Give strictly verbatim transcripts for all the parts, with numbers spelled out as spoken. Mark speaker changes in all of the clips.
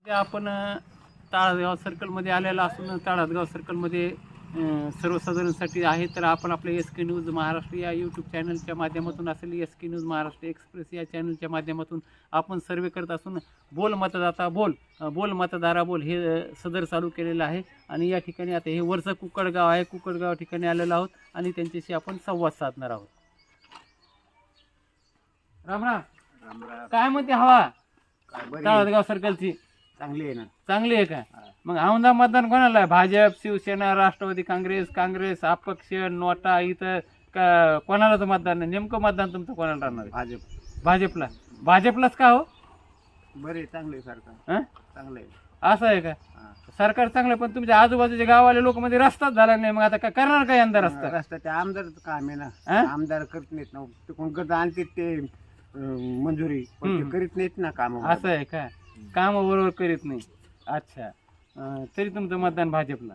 Speaker 1: आपण अ, ताळगाव सर्कलमध्ये आलेला असून ताळगाव सर्कलमध्ये अ, सर्वसाधारणसाठी आहे. तर आपण आपल्या एस के न्यूज महाराष्ट्र या यूट्यूब चॅनलच्या माध्यमातून असेल S K news Maharashtra express या चॅनलच्या माध्यमातून आपण सर्वे करत असून बोल मतदाता बोल अ, बोल मतदारा बोल हे अ, सदर चालू केलेलं आहे. आणि या ठिकाणी आता हे वरचं कुकडगाव आहे, कुकडगाव ठिकाणी आलेलो आहोत आणि त्यांच्याशी आपण संवाद साधणार आहोत. राम राम. काय म्हणते हवा ताळगाव सर्कलची?
Speaker 2: चांगली आहे ना.
Speaker 1: चांगली आहे का? मग औंधा मतदान कोणाला आहे? भाजप, शिवसेना, राष्ट्रवादी काँग्रेस, काँग्रेस, अपक्ष, नोटा, इथं का कोणाला तर मतदान नाही? नेमकं मतदान तुमचं कोणाला राहणार आहे?
Speaker 2: भाजप.
Speaker 1: भाजपला. भाजपलाच का हो?
Speaker 2: बरे चांगले सरकार.
Speaker 1: हं?
Speaker 2: चांगले आहे.
Speaker 1: असं आहे का?
Speaker 2: हा.
Speaker 1: सरकार चांगलं, पण तुमच्या आजूबाजूच्या गावाले लोक मध्ये रस्ताच झाला नाही. मग आता काय करणार काय यंदा रस्ता?
Speaker 2: रस्ता ते आमदारच काम आहे ना.
Speaker 1: हं?
Speaker 2: आमदार करत नाहीत ना. ते कोण करत आणते ते अं, मंजुरी पण ते
Speaker 1: हम्म.
Speaker 2: करीत नाहीत ना काम.
Speaker 1: असं आहे का? काम बरोबर करीत नाही. अच्छा. अं, तरी तुमचं मतदान भाजपला.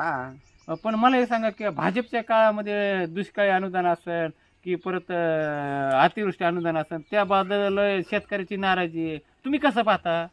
Speaker 2: हा.
Speaker 1: पण मला हे सांगा की भाजपच्या काळामध्ये दुष्काळी अनुदान असेल की परत अं, अतिवृष्टी अनुदान असेल त्याबद्दल शेतकऱ्याची नाराजी आहे, तुम्ही कसं पाहता?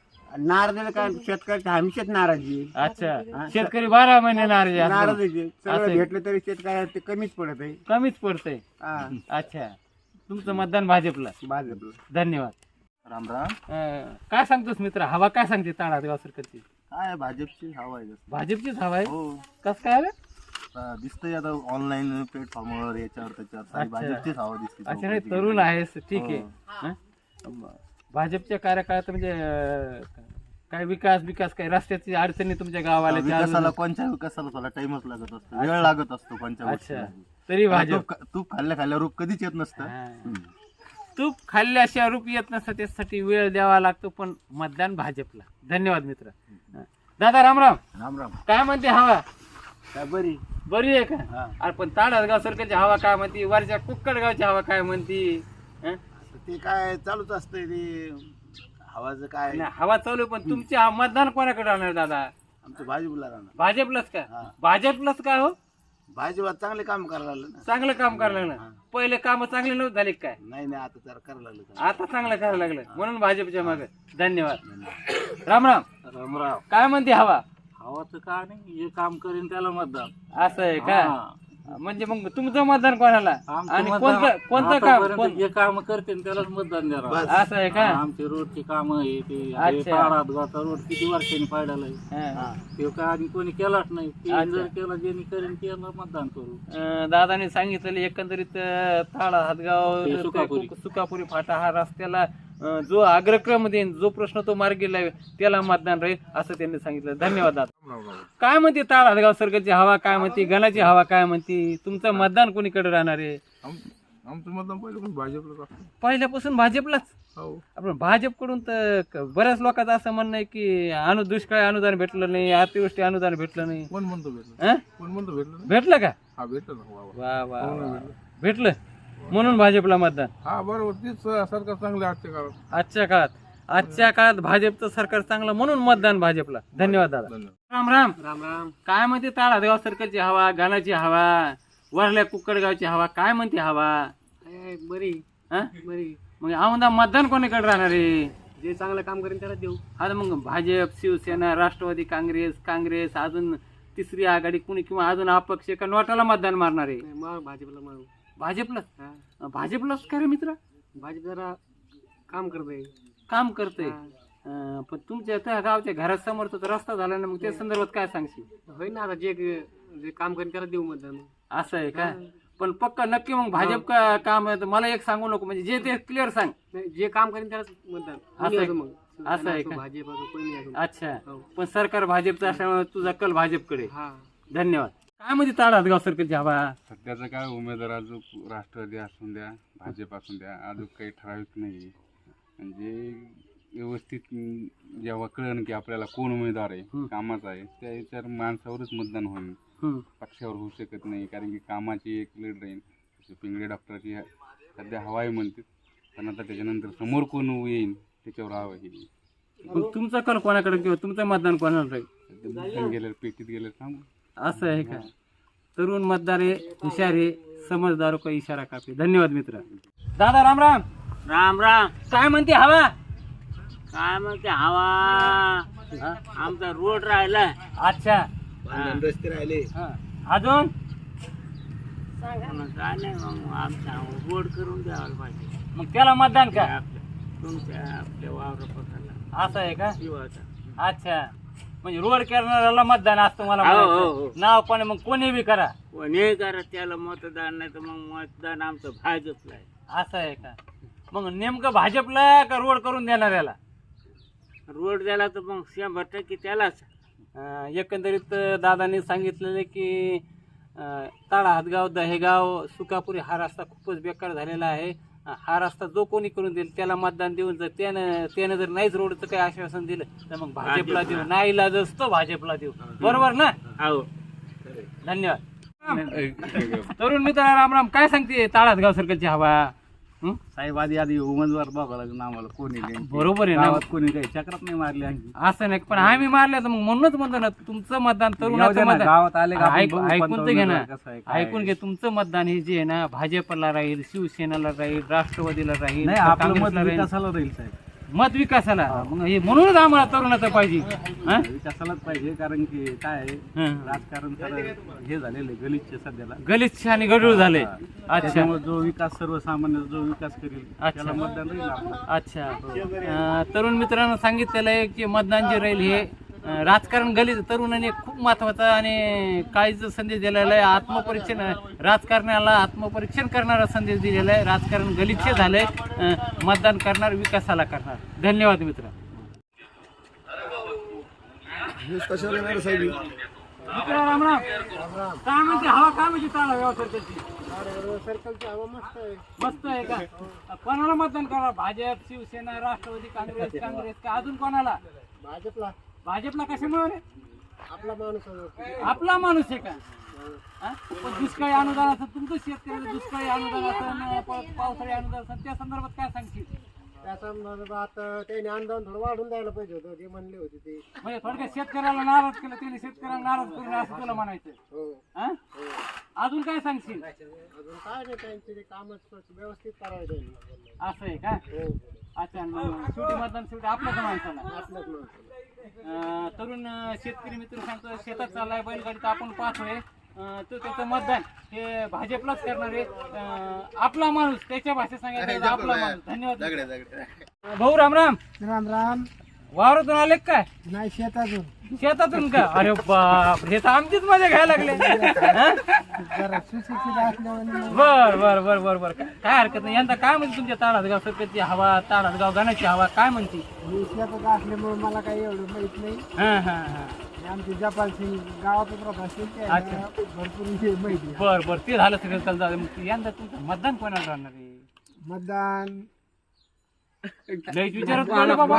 Speaker 2: नाराज काय शेतकऱ्याची हमेशाच नाराजी आहे.
Speaker 1: अच्छा.
Speaker 2: हा.
Speaker 1: शेतकरी बारा महिने नाराजी असतात.
Speaker 2: नाराज आहे.
Speaker 1: असं आहे.
Speaker 2: सगळं भेटलं तरी शेतकऱ्याला ते कमीच पडत आहे.
Speaker 1: कमीच पडतंय.
Speaker 2: हा.
Speaker 1: अच्छा. तुमचं मतदान भाजपला.
Speaker 2: भाजपला.
Speaker 1: धन्यवाद.
Speaker 3: राम राम.
Speaker 1: अं, काय सांगतोस मित्र, हवा काय सांगते ताळगाव सर्कलची?
Speaker 3: काय भाजपची हवा आहे जास्त.
Speaker 1: भाजपचीच हवा आहे.
Speaker 3: हो.
Speaker 1: कस काय रे?
Speaker 3: आता दिसतंय आता ऑनलाईन प्लॅटफॉर्मवर याच्यावर त्याच्यावर सारी
Speaker 1: अच्छा.
Speaker 3: भाजपचीच हवा दिसते.
Speaker 1: अच्छा. नाही,
Speaker 3: चौकशी
Speaker 1: तरुण
Speaker 3: केली.
Speaker 1: आहेस, ठीक आहे.
Speaker 3: हो.
Speaker 1: हं? भाजपच्या कार्यकाळात म्हणजे अं, काय विकास विकास काय रस्त्याची अडचणी तुमच्या गावाला
Speaker 3: विकासाला कोणत्या विकासाला थोडा टाइमच लागत असतो, वेळ लागत असतो कोणत्या
Speaker 1: अच्छा.
Speaker 3: गोष्टीला.
Speaker 1: तरी
Speaker 3: आता
Speaker 1: भाजप.
Speaker 3: तूप तूप खाल्ल्या खाल्ल्या रूप कधीच येत नसतं.
Speaker 1: हां. तूप खाल्ल्याशिवाय रूप येत नसतं, त्यासाठी वेळ द्यावा लागतो, पण मतदान भाजपला. धन्यवाद मित्र. हं. दादा राम राम.
Speaker 2: राम राम.
Speaker 1: काय म्हणते हवा?
Speaker 2: काय बरी.
Speaker 1: बरी आहे का?
Speaker 2: हा.
Speaker 1: अरे पण ताळगाव सर्कलची हवा काय म्हणती? वरच्या कुक्कडगावची हवा काय म्हणती? हं?
Speaker 2: ते काय चालूच असतंय ते हवाचं काय.
Speaker 1: नाही, हवा चालू आहे, पण तुमचे हा मतदान कोणाकडे राहणार दादा?
Speaker 2: आमचं भाजपला राहणार.
Speaker 1: भाजपलाच का?
Speaker 2: हा.
Speaker 1: भाजपलाच का हो?
Speaker 2: भाजपला चांगले काम करायला लागलं ना.
Speaker 1: चांगलं काम करायला लागलं.
Speaker 2: हा.
Speaker 1: पहिले काम चांगले नव्हते झाले काय?
Speaker 2: नाही नाही आता जरा करायला लागलं काम.
Speaker 1: आता चांगलं करायला लागलं, म्हणून भाजपच्या मागे. धन्यवाद. राम राम.
Speaker 2: रामराव.
Speaker 1: काय म्हणते हवा?
Speaker 2: हवा तर काय नाही, जे काम करेन त्याला मतदान.
Speaker 1: असं आहे का? म्हणजे मग तुमचं मतदान कोणाला? आणि कोणतं कोणतं काम? कोण-
Speaker 4: जे काम करते त्यालाच मतदान देणार.
Speaker 1: असं आहे का?
Speaker 4: आमची रोडची काम आहे ते
Speaker 1: अच्छा.
Speaker 4: ताळगावचा रोड किती वर्षांनी पाडलेला आहे.
Speaker 1: हं.
Speaker 4: ते काय आणि कोणी केलाच नाही. ते
Speaker 1: अच्छा.
Speaker 4: जर केला ज्यांनी करेन त्याला मतदान करू.
Speaker 1: अं, दादाने सांगितलेलं एकंदरीत अं, थाळा हातगाव
Speaker 4: ते
Speaker 1: ते
Speaker 4: सुकापुरी.
Speaker 1: कु- सुकापुरी फाटा हा रस्त्याला अं, जो अग्रक्रम देईन, जो प्रश्न तो मार्गी लावेल त्याला मतदान राहील, असं त्यांनी सांगितलं. धन्यवाद दादा. काय म्हणते ताळ हातगाव सर्कलची हवा काय म्हणते? गणाची हवा काय म्हणते? तुमचं मतदान कोणीकडे राहणार आहे?
Speaker 5: आमचं मतदान पहिल्यापासून भाजपलाच असतं.
Speaker 1: पहिल्यापासून भाजपलाच.
Speaker 5: हो.
Speaker 1: आपण भाजपकडून तर क- बऱ्याच लोकांचं असं म्हणणं आहे की अनु दुष्काळी अनुदान भेटलं नाही, अतिवृष्टी अनुदान भेटलं नाही.
Speaker 5: कोण म्हणतो भेटलं?
Speaker 1: हं?
Speaker 5: कोण म्हणतो भेटलं नाही?
Speaker 1: भेटलं का?
Speaker 5: हा भेटलं ना. वा वा.
Speaker 1: वा वा
Speaker 5: हो ना,
Speaker 1: वा.
Speaker 5: भेटलं.
Speaker 1: भेटलं म्हणून भाजपला मतदान.
Speaker 5: हा बरोबर, तीच सरकार चांगले आजच्या काळात.
Speaker 1: आजच्या काळात आजच्या काळात भाजपचं सरकार चांगलं, म्हणून मतदान भाजपला. धन्यवाद दादा.
Speaker 5: धन्यवाद.
Speaker 1: राम राम.
Speaker 2: राम राम.
Speaker 1: काय म्हणते ताळगाव सर्कलची हवा, गाण्याची हवा, वरल्या कुक्कडगावची हवा काय म्हणते हवा?
Speaker 2: बरी
Speaker 1: हं?
Speaker 2: बरी.
Speaker 1: मग औंधा मतदान कोणीकडे राहणार आहे?
Speaker 2: जे चांगलं काम करेन त्याला देऊ.
Speaker 1: आता मग भाजप, शिवसेना, राष्ट्रवादी काँग्रेस, काँग्रेस, अजून तिसरी आघाडी कुणी, किंवा अजून अपक्ष का नोटाला मतदान मारणार आहे?
Speaker 2: मग भाजपला मारू.
Speaker 1: भाजपलाच. भाजपलाच काय रे मित्र?
Speaker 2: भाजप जरा काम करते.
Speaker 1: काम करते. अं, पण तुमच्या त्या गावच्या घरासमोर तर रस्ता झाला ना, मग त्या संदर्भात काय सांगशील?
Speaker 2: होय ना, आता जे जे काम करेन त्याला देऊ मतदान.
Speaker 1: असं आहे का? पण पक्का नक्की मग भाजप का काम आहे तर मला एक सांगू नको, म्हणजे जे ते क्लिअर सांग.
Speaker 2: नाही, जे काम करेन त्यालाच मतदान.
Speaker 1: असं
Speaker 2: कोणी
Speaker 1: आहे-
Speaker 2: असो मग.
Speaker 1: असं आहे का?
Speaker 2: भाजप असो कोणी असो.
Speaker 1: अच्छा.
Speaker 2: हो.
Speaker 1: पण सरकार भाजपचं असल्यामुळे तुझा कल भाजपकडे.
Speaker 2: हा.
Speaker 1: धन्यवाद. काय म्हणजे ताळा गाव सरकारची हवा?
Speaker 6: सध्याचं काय उमेदवार अजून राष्ट्रवादी असून द्या, भाजप असून द्या, अजून काही ठराविक नाही. म्हणजे व्यवस्थित अं, जेव्हा कळण की आपल्याला कोण उमेदवार आहे,
Speaker 1: हं.
Speaker 6: कामाचा आहे, त्या याच्यावर माणसावरच मतदान होईल.
Speaker 1: हम्म.
Speaker 6: पक्षावर होऊ शकत नाही, कारण की कामाची एक लीड राहील. जसं पिंगळे डॉक्टरची ह- सध्या हवा आहे म्हणते, पण आता त्याच्यानंतर समोर कोण येईल त्याच्यावर हवा येईल.
Speaker 1: मग तुमचा कल कोणाकडे किंवा तुमचं मतदान कोणाला राहील?
Speaker 6: सध्या बुकिंग गेलं, पेटीत गेलं सांगू.
Speaker 1: असं आहे का? तरुण मतदार आहे, हुशार आहे, समजदार का इशारा कापे. धन्यवाद मित्र. दादा राम राम.
Speaker 2: राम राम.
Speaker 1: काय म्हणते हवा?
Speaker 4: काय म्हणते हवा आमचा रोड राहिला.
Speaker 1: अच्छा
Speaker 3: रस्ते राहिले.
Speaker 1: हा. अजून
Speaker 4: काय नाही मग आमचा रोड करून द्यायला पाहिजे
Speaker 1: मग त्याला मतदान का
Speaker 4: आपल्या तुमच्या आपल्या वावरापकाला
Speaker 1: असं आहे का
Speaker 4: शिवाचा.
Speaker 1: अच्छा म्हणजे रोड करणाऱ्याला मतदान असतं मला
Speaker 4: हो, हो,
Speaker 1: म्हणायचं.
Speaker 4: हो.
Speaker 1: नाव पण मग कोणी बी करा
Speaker 4: कोणी करा त्याला मतदान नाही तर मग मतदान आमचं भाजपला आहे.
Speaker 1: असं आहे का मग नेमकं भाजपला का रोड करून देणाऱ्याला
Speaker 4: रोड द्यायला तर मग शंभर टक्के त्यालाच.
Speaker 1: अं, एकंदरीत दादांनी सांगितलेलं की अं, ताडा हातगाव दहेगाव सुकापुरी हा रस्ता खूपच बेकार झालेला आहे. हा रस्ता जो कोणी करून देईल त्याला मतदान देऊन जर त्यानं त्यानं जर नाहीच रोडचं काही आश्वासन दिलं तर मग भाजपला देऊ नाही इलाज असतो भाजपला देऊ बरोबर ना.
Speaker 4: हो
Speaker 1: धन्यवाद. तरुण मित्र राम राम काय सांगते ताडा हातगाव सर्कलची हवा हं?
Speaker 3: साहेब आधी आधी उमेदवार बघावं लागेल आम्हाला कोणी नाही.
Speaker 1: बरोबर आहे ना
Speaker 3: गावात कोणी काही चक्रात नाही मारली आणखी.
Speaker 1: असं नाही पण आम्ही मारले तर मग म्हणूनच म्हणतो ना तुमचं मतदान
Speaker 3: येऊ दे
Speaker 1: तरुणाचं
Speaker 3: ना,
Speaker 1: मतदान
Speaker 3: गावात आले का आपण
Speaker 1: ऐक-
Speaker 3: बघू
Speaker 1: ऐकून
Speaker 3: कोणता
Speaker 1: तर घे ना
Speaker 3: उमेदवार कसा आहे, काय
Speaker 1: ऐकून घे तुमचं मतदान हे जे आहे ना भाजपला राहील शिवसेनेला राहील राष्ट्रवादीला राहील
Speaker 3: नाही आपलं मत
Speaker 1: काँग्रेसला राहील
Speaker 3: विकासाला राहील साहेब.
Speaker 1: मत विकासाला मग हे म्हणूनच आम्हाला तरुणाचं पाहिजे हं?
Speaker 3: विकासालाच पाहिजे कारण की काय आहे
Speaker 1: हं.
Speaker 3: राजकारण तर हे झालेलं आहे गलिच्छ सध्याला.
Speaker 1: गलिच्छ आणि गडूळ झाले अच्छा
Speaker 3: त्याच्यामुळे जो विकास सर्वसामान्य जो विकास करेल
Speaker 1: अच्छा.
Speaker 3: त्याला मतदान राहील आपलं.
Speaker 1: अच्छा अं, तरुण मित्रांनो सांगितलेलं आहे की मतदान जे राहील हे अं, राजकारण गलित तरुणाने खूप महत्वाचा आणि काळीचा संदेश दिलेला आहे. आत्मपरीक्षण राजकारणाला आत्मपरीक्षण करणारा संदेश दिलेला आहे. राजकारण गलिच्छ झालंय अं, मतदान करणार विकासाला करणार. धन्यवाद मित्र. मित्र राम राम काय म्हणते हवा काय म्हणजे चालू आहे सर्कलची
Speaker 2: सर्कलची हवा मस्त आहे.
Speaker 1: मस्त आहे का कोणाला मतदान करा भाजप शिवसेना राष्ट्रवादी काँग्रेस काँग्रेस का अजून कोणाला
Speaker 2: भाजपला
Speaker 1: भाजपला कशामुळे रे?
Speaker 2: आपला माणूस आहे.
Speaker 1: आपला माणूस आहे का हा? पण दुष्काळी अनुदान असं तुमचं शेतकऱ्याला दुष्काळी अनुदान असं परत पावसाळी अनुदान असं त्या संदर्भात काय सांगशील
Speaker 2: त्या संदर्भात त्याने अनुदान थोडं वाढून द्यायला पाहिजे होतं जे म्हणले होते ते.
Speaker 1: म्हणजे थोडक्यात शेतकऱ्याला नाराज केलं त्याने शेतकऱ्याला नाराज करून असं तुला म्हणायचं
Speaker 2: हो
Speaker 1: हा? अजून काय सांगशील
Speaker 2: अजून काय नाही त्यांचे ते कामच व्यवस्थित करावे त्यांनी.
Speaker 1: असं आहे का
Speaker 2: हो
Speaker 1: अच्छा मग शेवटी मतदान शेवटी आपल्याच माणसाला
Speaker 2: आपल्याच माणसाला.
Speaker 1: अं, तरुण अं, शेतकरी मित्र सांगतो शेतात चाललाय बैलगाडीत आपण पाहतोय अं, तो त्याचं मतदान हे भाजपलाच करणार आहे. अं, आपला माणूस त्याच्या भाषेत सांगायचं आपला माणूस. धन्यवाद भाऊ राम राम
Speaker 2: राम राम.
Speaker 1: वावरातून आले का काय
Speaker 2: नाही शेतातून
Speaker 1: शेतातून का अरे बाप हे तर आमचीच मजा घ्यायला लागले हं?
Speaker 2: जरा सुशिक्षित असल्यामुळे
Speaker 1: बर बर बर बर बर काय हरकत नाही यंदा काय म्हणते तुमच्या ताडातगाव सरकारची हवा ताडातगाव गाण्याची हवा काय म्हणते
Speaker 2: मी शेतात असल्यामुळे मला काही एवढं माहित नाही.
Speaker 1: हा हा हा
Speaker 2: आमचे जपाल सिंग गावातच राहत असतील
Speaker 1: अच्छा.
Speaker 2: त्या भरपूर हे माहिती आहे.
Speaker 1: बर बर ते झालं सगळं चालतं मग यंदा तुमचं मतदान कोणाला राहणार आहे
Speaker 2: मतदान
Speaker 1: लयच विचारत पडलं बाबा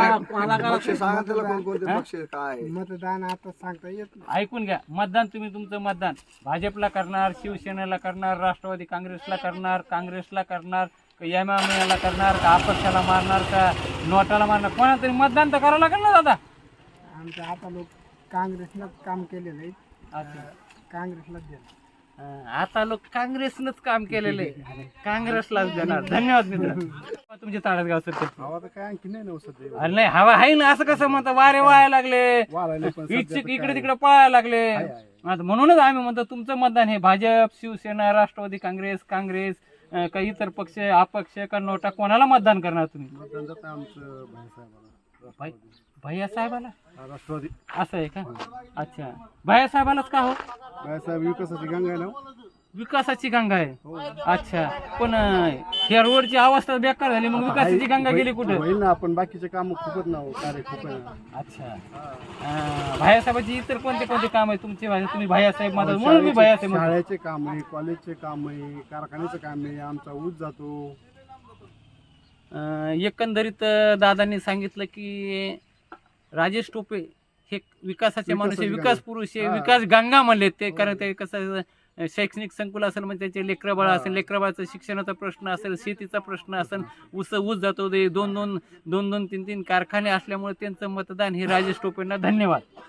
Speaker 2: मतदान आता सांगता येत नाही.
Speaker 1: ऐकून घ्या मतदान तुम्ही तुमचं मतदान भाजपला करणार शिवसेनेला करणार राष्ट्रवादी काँग्रेसला करणार काँग्रेसला करणार का एमआयएमला करणार का अपक्षाला मारणार का नोटाला मारणार कोणाला तरी मतदान तर करावं लागेल ना दादा
Speaker 2: आमचं आता लोक काँग्रेसनं काम केलेलं आहे.
Speaker 1: अच्छा.
Speaker 2: काँग्रेसलाच देणार.
Speaker 1: अं, आता लोक काँग्रेसनंच काम केलेलं आहे काँग्रेसलाच देणार. धन्यवाद मित्र तुमचे ताडसगाव सर
Speaker 3: हवा तर काय आणखी नाही ना सध्या.
Speaker 1: अरे नाही हवा आहे ना असं कसं म्हणता वारे वाया लागले इच्छुक इकडे तिकडे पळायला लागले आता म्हणूनच आम्ही म्हणतो तुमचं मतदान हे भाजप शिवसेना राष्ट्रवादी काँग्रेस काँग्रेस अं, का इतर पक्ष अपक्ष का नोटा कोणाला मतदान करणार तुम्ही
Speaker 3: मतदान जातं आमचं भाईसाहेबाला.
Speaker 1: भाई भैया साहेबाला
Speaker 3: राष्ट्रवादी
Speaker 1: असं आहे का अच्छा भैया साहेबालाच का हो
Speaker 3: भाईसाहेब विकासाची गंगा आहे ना.
Speaker 1: विकासाची गंगा आहे अच्छा पण अं, ह्या रोडची अवस्था बेकार झाली मग विकासाची गंगा गेली कुठे
Speaker 3: होईल ना आपण बाकीचे काम खूपच ना कार्य खूप आहे ना.
Speaker 1: अच्छा अं, भैयासाहेबाची इतर कोणते कोणते काम आहे तुमचे भाई- तुम्ही भैयासाहेब माझा म्हणून मी भैयासाहेब म्हणतो.
Speaker 3: शाळेचे काम आहे कॉलेजचे काम आहे कारखान्याचं काम आहे आमचा ऊस जातो.
Speaker 1: अं, एकंदरीत अं, दादांनी सांगितलं की राजेश टोपे हे विकासाचे माणूस आहे विकास पुरुष आहे विकास गंगा म्हणले ते कारण ते कसं अं, शैक्षणिक संकुल असेल म्हणजे त्याचे लेकरबाळ असेल लेकरबाळाचा शिक्षणाचा प्रश्न असेल शेतीचा प्रश्न असेल ऊस ऊस जातो ते दोन दोन दोन दोन तीन तीन कारखाने असल्यामुळे त्यांचं मतदान हे राजेश टोपेंना. धन्यवाद.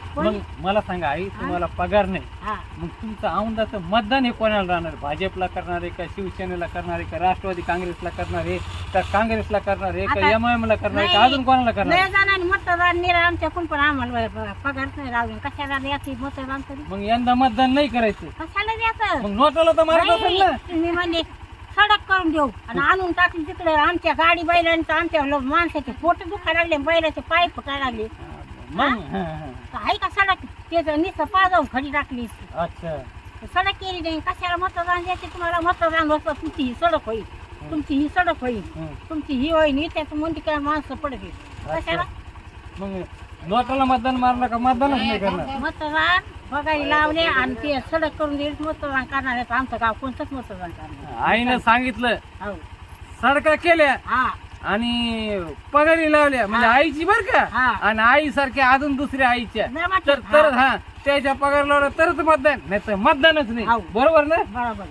Speaker 1: मग मला सांगा आई, तुम्हाला पगार नाही,
Speaker 7: हा
Speaker 1: मग तुमचं औंधाचं मतदान हे कोणाला राहणार? भाजपला करणार आहे का, शिवसेनेला करणार आहे का, राष्ट्रवादी काँग्रेसला करणार आहे का, काँग्रेसला करणार आहे का,
Speaker 7: आता-
Speaker 1: एम आय एम ला करणार आहे का,
Speaker 7: नाही.
Speaker 1: अजून कोणाला करणार
Speaker 7: लय
Speaker 1: आहे?
Speaker 7: जणांनी मतदान निरा आमच्याकडून पण आम्हाला पगार नाही राहून कशाला द्यायची मतदान तरी
Speaker 1: मग यंदा मतदान नाही करायचं,
Speaker 7: कशाला द्यायचं
Speaker 1: मग नोटाला तर मारत असेल ना.
Speaker 7: तुम्ही म्हणजे सडक करून देऊ आणि आणून टाकली तिकडे आमच्या गाडी बैलांचं आमच्या लो- माणसाचे पोट दुखायला लागले, बैलाचे पाय फुटायला लागले.
Speaker 1: मग हा, हा.
Speaker 7: तर आहे का सडक त्याचं नुसतं पाजावून खडी टाकली.
Speaker 1: अच्छा,
Speaker 7: सडक केली नाही, कशाला मतदान द्यायचे तुम्हाला? मतदान होतं तुमची ही सडक होईल, तुमची ही सडक होईल,
Speaker 1: हं.
Speaker 7: तुमची ही होईल, त्याचं म्हणते काय माणसं पडते कशाला?
Speaker 1: मग नोटाला मतदान मारलं का मतदानच नाही करणार?
Speaker 7: मतदान बघायला लावले आणि ते सडक करून देईल मतदान करणार आहे. आमचं गाव कोणतंच मतदान करणार
Speaker 1: आईनं सांगितलं
Speaker 7: हो
Speaker 1: सडका केल्या
Speaker 7: हा
Speaker 1: आणि पगारी लावल्या, म्हणजे आईची बर का,
Speaker 7: हा.
Speaker 1: आणि आई सारख्या अजून दुसऱ्या आईच्या,
Speaker 7: नाही वाटत.
Speaker 1: तर तर हा त्याच्या पगार लावला तरच मतदान, नाही तर मतदानच नाही.
Speaker 7: हो.
Speaker 1: बरोबर ना?
Speaker 7: बरोबर.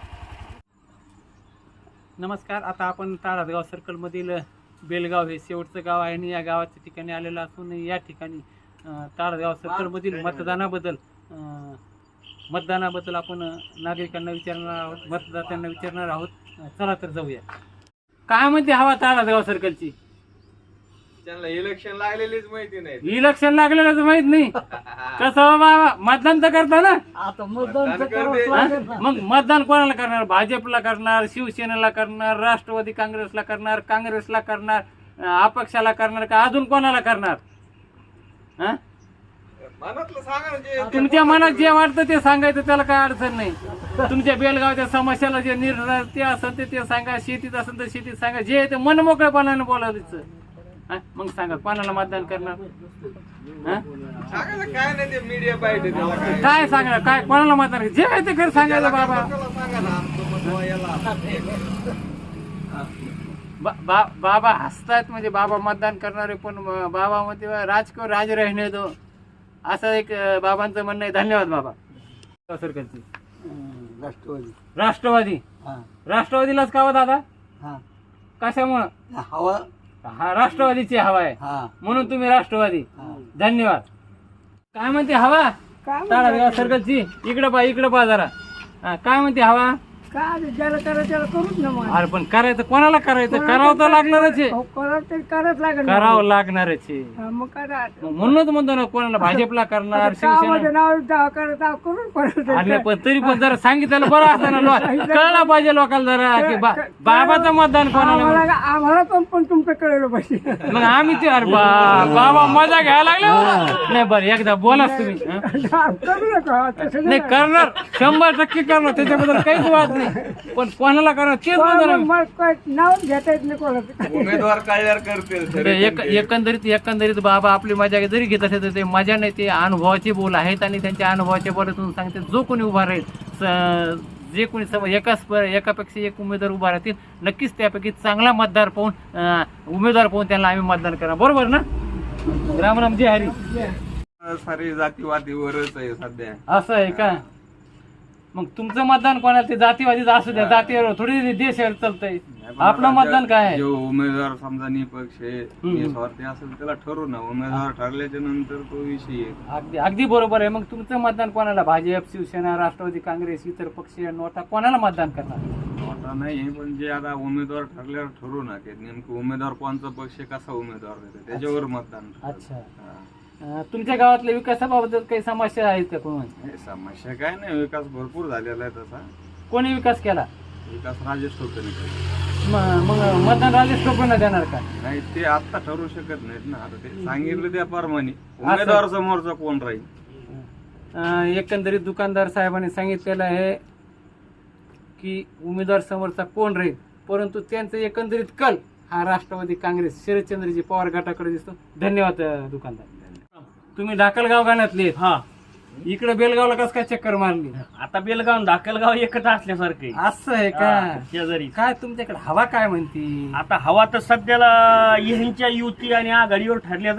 Speaker 1: नमस्कार. आता आपण ताळासगाव सर्कल मधील बेलगाव हे शेवटचं गाव आहे आणि या गावाच्या ठिकाणी आलेलं असून या ठिकाणी अं, ताळासगाव सर्कल मधील मतदानाबद्दल अं, मतदानाबद्दल आपण अं, नागरिकांना विचारणार आहोत, मतदात्यांना विचारणार आहोत. अं, चला तर जाऊया. काय म्हणते हवा ताळासगाव सर्कलची?
Speaker 6: त्यांना इलेक्शन लागलेलीच माहिती नाही.
Speaker 1: इलेक्शन लागलेलं तर माहित नाही कसं हो बाबा, मतदान तर करता ना?
Speaker 7: आता मतदान तर
Speaker 6: मतदान करते.
Speaker 7: करावंच
Speaker 1: हा? मग मतदान कोणाला करणार? भाजपला करणार, शिवसेनेला करणार, राष्ट्रवादी काँग्रेसला करणार, काँग्रेसला करणार, अं, अपक्षाला करणार का अजून कोणाला करणार? हा?
Speaker 6: मनातलं सांगा ना जे
Speaker 1: तुमच्या मनात जे वाटतं ते सांगायचं, त्याला काय अडचण नाही. तुमच्या बेलगावच्या समस्याला जे निर्णय ते असेल ते ते सांगा, शेतीत असेल तर शेतीत सांगा, जे ते मन मोकळेपणाने बोलायचं. हा? मग सांगा कोणाला मतदान करणार? हा?
Speaker 6: सांगा ना, काय नाही ते मीडिया पाहिजे त्याला काय
Speaker 1: काय सांगणार? काय कोणाला मतदान करायचं? जे आहे ते खरं सांगायचं बाबा.
Speaker 6: त्याला सांगा ना आमचं मत व्हायला.
Speaker 1: बा- बा- बाबा हसतात, म्हणजे बाबा मतदान करणारे, पण बाबा मध्ये राजकीय राज राहणे दो, असं एक अं, बाबांचं म्हणणं आहे. धन्यवाद बाबा. सरकारची
Speaker 2: राष्ट्रवादी
Speaker 1: राष्ट्रवादी
Speaker 2: हा
Speaker 1: राष्ट्रवादीलाच का हो दादा?
Speaker 2: हा
Speaker 1: कशामुळं?
Speaker 2: हवा
Speaker 1: हा राष्ट्रवादीची हवा आहे
Speaker 2: हा
Speaker 1: म्हणून तुम्ही राष्ट्रवादी.
Speaker 2: हा.
Speaker 1: धन्यवाद. काय म्हणते हवा ताळासगाव सर्कलची? इकडं पा इकडं पा जरा. हा, काय म्हणते हवा?
Speaker 8: काय ज्याला करायचं त्याला करूच ना मग
Speaker 1: अरे पण करायचं कोणाला करायचं? करावं तर लागणारच आहे.
Speaker 8: हो, करावं तरी करावंच लागेल ना.
Speaker 1: करावं लागणारच आहे.
Speaker 8: हा, मग करा
Speaker 1: मग म्हणूनच म्हणतो ना, कोणाला भाजपला करणार,
Speaker 8: गावामध्ये
Speaker 1: शिवसेना.
Speaker 8: नाव जा- करत आहो, करून करायचं.
Speaker 1: अरे पण तरी पण जरा सांगितलं बरं असतं ना, लो- कळलं पाहिजे लोकांना जरा की बा- बाबाचं मतदान कोणाला.
Speaker 8: आम्हाला आम्हाला पण पण तुमचं कळलं पाहिजे.
Speaker 1: मग आम्ही ते अरे बा- बाबा मजा घ्यायला लागले बाबा. नाही बरं एकदा बोलाच तुम्ही. हं?
Speaker 8: करू नका तसं
Speaker 1: नाही करणार, शंभर टक्के करणार, त्याच्याबद्दल काहीच वाद नाही. पण कोणाला करणार तेच म्हणतो ना मी.
Speaker 8: मग काय नाव घेता येत नाही कोणाचं.
Speaker 6: उमेदवार कळल्यावर करतील
Speaker 1: तर एक- एकंदरीत एकंदरीत बाबा आपली मजा जरी घेत असेल तर ते मजा नाही, ते अनुभवाचे बोल आहेत आणि त्यांच्या अनुभवाच्या बोलातून सांगते. जो कोणी उभा राहील, स- जे कोणी सम एकाच प- एकापेक्षा एक उमेदवार उभा राहतील, नक्कीच त्यापैकी चांगला मतदार पाहून अं, उमेदवार पाहून त्यांना आम्ही मतदान करणार. बरोबर ना? राम राम जय हरी.
Speaker 6: सारी जातीवादीवरच आहे सध्या.
Speaker 1: असं आहे का? मग तुमचं मतदान कोणाला? ते जातीवादीच असू द्या, जातीवर थोडी देश चालतंय. आपलं मतदान काय आहे?
Speaker 6: जो उमेदवार समजा निपक्ष निस्वार्थी असेल त्याला ठरवू ना. उमेदवार ठरल्याच्या नंतर तो विषय आहे.
Speaker 1: अगदी अगदी बरोबर आहे. मग तुमचं मतदान कोणाला? भाजप, शिवसेना, राष्ट्रवादी काँग्रेस, इतर पक्ष, नोटा, कोणाला मतदान करणार?
Speaker 6: मोठा नाही पण जे आता उमेदवार ठरल्यावर ठरवू ना की नेमकं उमेदवार कोणचा पक्ष कसा उमेदवार देतो त्याच्यावर मतदान.
Speaker 1: अच्छा.
Speaker 6: हा.
Speaker 1: अं, तुमच्या गावातल्या विकासाबाबत काही समस्या आहेत का? कोण
Speaker 6: हे समस्या काय नाही, विकास भरपूर झालेला आहे तसा.
Speaker 1: कोणी विकास केला?
Speaker 6: विकास राजेश टोपेने
Speaker 1: म- मग मतदान राजेश टोपेंना देणार का?
Speaker 6: नाही, ते आता ठरवू शकत नाहीत ना. आता ते सांगितलं त्याप्रमाणे उमेदवार समोरचा कोण राहील.
Speaker 1: अं, एकंदरीत दुकानदार साहेबांनी सांगितलेलं आहे की उमेदवार समोरचा कोण राहील, परंतु त्यांचं एकंदरीत कल हा राष्ट्रवादी काँग्रेस शरदचंद्रजी पवार गटाकडे दिसतो. धन्यवाद अं, दुकानदार. तुम्ही डाकलगाव गाण्यातले
Speaker 4: हा
Speaker 1: इकडे बेलगावला कस काय चक्कर मारली?
Speaker 4: आता बेलगाव दाखलगाव एकच असल्यासारखे
Speaker 1: असं आहे का?
Speaker 4: शेजारी.
Speaker 1: काय तुमच्याकडे हवा काय म्हणती?
Speaker 4: आता हवा तर सध्याला ह्यांच्या युती आणि आघाडीवर ठरल्या जाईल ना.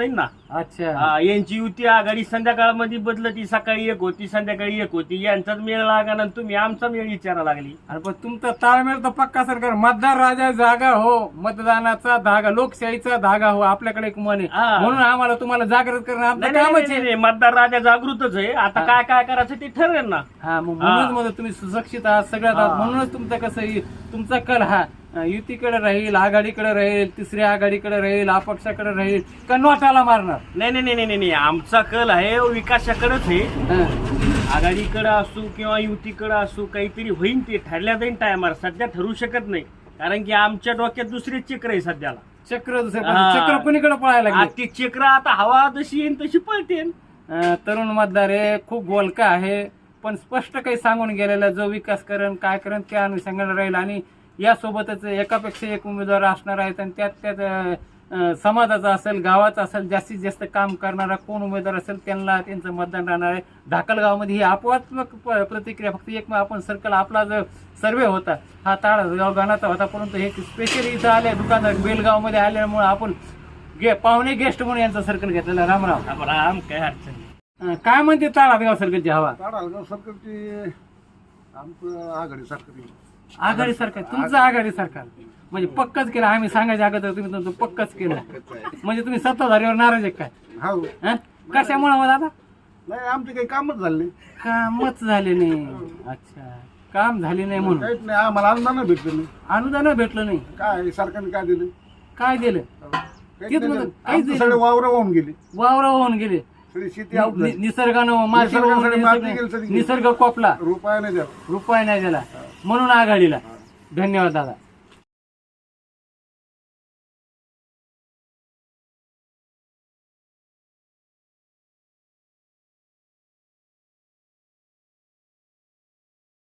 Speaker 1: अच्छा
Speaker 9: हा, यांची युती आघाडी संध्याकाळमध्ये बदलती, सकाळी एक होती संध्याकाळी एक होती, यांचाच मेळ लागा ना तुम्ही आमचा मेळ विचारा लागली.
Speaker 1: आणि पण तुमचा ताळमेळ तर पक्का सरकार मतदार राजा जागा हो, मतदानाचा धागा, लोकशाहीचा धागा हो, आपल्याकडे एक मन आहे.
Speaker 9: हा.
Speaker 1: म्हणून आम्हाला तुम्हाला जागृत करणं आपलं
Speaker 9: नाही, नाही,
Speaker 1: कामच
Speaker 9: नाही,
Speaker 1: आहे.
Speaker 9: नाही, मतदार राजा जागृतच आहे. आता काय काय करायचं ते ठरेल ना.
Speaker 1: हा मग म्हणूनच म्हणतो तुम्ही सुशिक्षित आहात सगळ्यात आहात.
Speaker 9: हा.
Speaker 1: म्हणूनच तुमचं कसं आहे, तुमचा कल हा युतीकडे राहील, आघाडीकडे राहील, तिसऱ्या आघाडीकडे राहील, अपक्षाकडे राहील का नोटाला मारणार.
Speaker 9: नाही नाही नाही नाही नाही आमचा कल आहे विकासाकडेच आहे.
Speaker 1: हा.
Speaker 9: आघाडीकडे असू किंवा युतीकडे असू काहीतरी होईन ते ठरल्या जाईन टायमार, सध्या ठरू शकत नाही कारण की आमच्या डोक्यात दुसरे चक्र आहे सध्याला.
Speaker 1: चक्र दुसरं
Speaker 9: हा.
Speaker 1: चक्र कोणीकडे पळायला
Speaker 9: आता
Speaker 1: लागले.
Speaker 9: ती चक्र आता हवा जशी येईन तशी पळतेन.
Speaker 1: अं, तरुण मतदार आहे, खूप बोलका आहे, पण स्पष्ट काही सांगून गेलेला जो विकास करण काय करण त्या अनुषंगाने राहील. आणि यासोबतच एकापेक्षा एक उमेदवार असणार आहेत आणि त्यात त्यात अं, समाजाचा असेल, गावाचा असेल, जास्तीत जास्त काम करणारा कोण उमेदवार असेल त्यांना त्यांचं मतदान राहणार आहे. धाकलगावमध्ये ही अपवादात्मक प- प्रतिक्रिया फक्त एक आपण सर्कल आपला जो सर्वे होता हा ताळगाव गाण्याचा होता, परंतु हे स्पेशली इथं आले दुकानात बेलगावमध्ये आल्यामुळे आपण गे पाहुणे गेस्ट म्हणून यांचा सर्कल घेतलेला. रामराम.
Speaker 9: राम काय अडचण नाही.
Speaker 1: अं, काय म्हणते ताळगाव सर्कलची हवा.
Speaker 3: ताडगाव सरकारची आमचं आघाडी सरकार
Speaker 1: आघाडी सरकार, तुमचं आघाडी सरकार म्हणजे पक्कच केलं. आम्ही सांगायच्या अगोदर तुम्ही तुमचं पक्कच केलं म्हणजे तुम्ही सत्ताधारीवर नाराज आहे काय.
Speaker 3: हो.
Speaker 1: हं? कशामुळे मग दादा.
Speaker 3: नाही आमचे काही कामच झाले नाही.
Speaker 1: कामच झाले नाही. अच्छा काम झाले नाही म्हणून
Speaker 3: काहीच नाही आम्हाला अनुदान भेटलं नाही.
Speaker 1: अनुदान भेटलं नाही.
Speaker 3: काय सरकारने काय दिलं
Speaker 1: काय दिलं.
Speaker 3: काहीच
Speaker 1: तेच
Speaker 3: नाही
Speaker 1: म्हणतो,
Speaker 3: दिलं.
Speaker 1: काहीच
Speaker 3: आमचं
Speaker 1: दिलं
Speaker 3: सगळे
Speaker 1: नाही.
Speaker 3: वावर वाहून गेले.
Speaker 1: वावर होऊन गेले.
Speaker 3: सगळी शेती आऊट
Speaker 1: नि-
Speaker 3: झाली.
Speaker 1: निसर्गानं माती
Speaker 3: निसर्गानं
Speaker 1: वाहून
Speaker 3: माती
Speaker 1: गेली,
Speaker 3: गेली सगळी.
Speaker 1: निसर्ग कोपला,
Speaker 3: रुपया नाही द्या.
Speaker 1: रुपये नाही दिला म्हणून आघाडीला. धन्यवाद दादा.